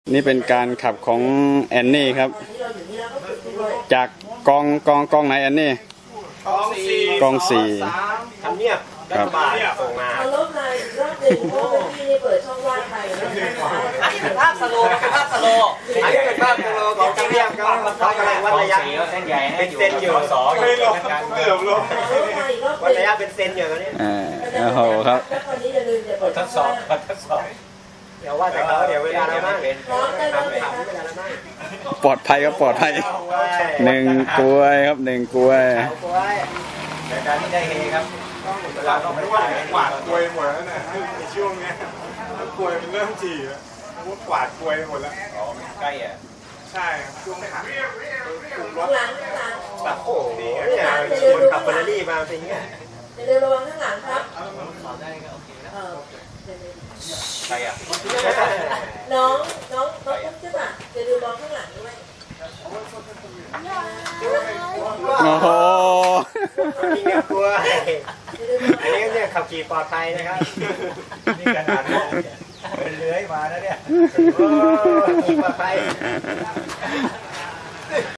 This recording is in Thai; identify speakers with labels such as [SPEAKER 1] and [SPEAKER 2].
[SPEAKER 1] นี่เป็นการขับของแอนนี่ครับจากกองไหนแอนนี่กองสี่
[SPEAKER 2] ทำเนียบรัฐบาลส่งมา
[SPEAKER 3] เอารถมาอีกรอบหนึ่งเพราะว่าพี่นี่เปิดช่องว่างไปแล้ว
[SPEAKER 2] อันนี้เป็นภาพสโลว์เป็นภาพสโลว์อันนี้เป็นภาพสโลว์ของทำเนียบเขากำลังวัดระยะเส้นใหญ่เป็นเซนอยู่ไม่ลงเกือบลงวัดระยะเป็นเซนอยู่ตอนนี้
[SPEAKER 1] โอ้โหครับ
[SPEAKER 2] ทดสอบเดี๋ยวว่าแต่เขาเดี๋ยวเวลาเราบ้าง
[SPEAKER 1] ปลอดภัยครับปลอดภัยหนึ่งกล้วยครับหนึ่งกล้วย
[SPEAKER 2] แต่การที่ได้เฮครับเวลาต้องไม่ว่ากวาดกล้วยหมดแล้วนะในช่วงนี้กล้วยมันเริ่มจี่แล้วว่ากวาดกล้วยหมดแล้วอ๋อใกล้อ่ะใช่ช่วงขา
[SPEAKER 3] หลัง
[SPEAKER 2] แบบโอ้โหเนี่ยคนขับเฟอร์รารี่มาเป็นอย่างเงี้ย
[SPEAKER 3] เรือระวังข้างหลังครับ
[SPEAKER 2] ใครอ่ะ
[SPEAKER 3] น้องปุ๊บใช่ป่ะจะดูมองข้างหลังด้วย
[SPEAKER 1] โอ้โห
[SPEAKER 2] นี่เนี่ยกลัวอันนี้เนี่ยขับขี่ปลอดภัยนะครับนี่ขนาดเป็นเลื้อยมาแล้วเนี่ยขี่ปลอดภัย